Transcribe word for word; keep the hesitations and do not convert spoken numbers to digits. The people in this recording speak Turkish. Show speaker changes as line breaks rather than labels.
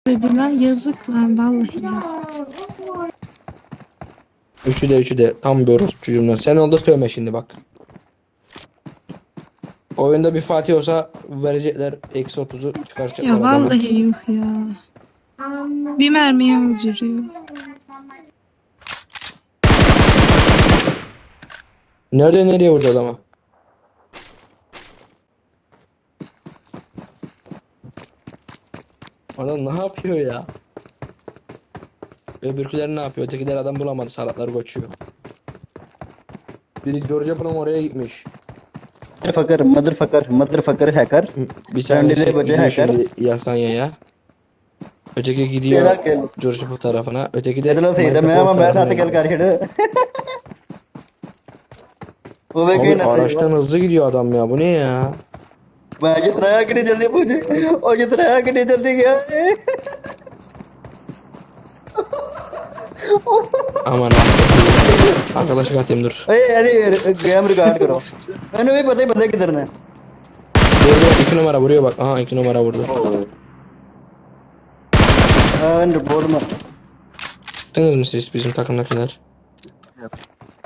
Dediler yazık lan, vallahi yazık.
Üçü de üçü de tam bir orospu çocuğumdan. Sen oldu söyleme şimdi bak. Oyunda bir Fatih olsa verecekler eksi otuzu çıkaracaklar
Ya
adamı.
vallahi yuh ya. Bir mermiye öldürüyor.
Nerede nereye vurdu adama? Adam ne yapıyor ya? Öbürküler ne yapıyor? Ötekiler adam bulamadı. Salatlar koçuyor. Biri George Apple'ın oraya gitmiş.
Motherfucker, motherfucker, motherfucker hacker.
Bir tanesi
Kendine bacı
gidiyor
hacker.
şimdi Yasanya'ya. Öteki gidiyor
Merak etme.
George Apple tarafına. Öteki de
Yadırla seyde
Michael
मैं
Kors
ama ben
tarafına
hata gel
gidiyor.
karşıda. O ve
Abi
kayın
araçtan hızlı gidiyor adam ya. Bu ne ya?
मैं जितना कि जल्दी पूछे और जितना कि जल्दी गया
Aman arkadaşlık atayım dur.
ए अरे गेम रिकॉर्ड करो मैंने भी पता ही पता किधर ने
Vuruyor, iki numara vuruyor bak. Aha iki numara vurdu.
हां रिपोर्ट में
Tanıdınız mı siz bizim takımdakiler?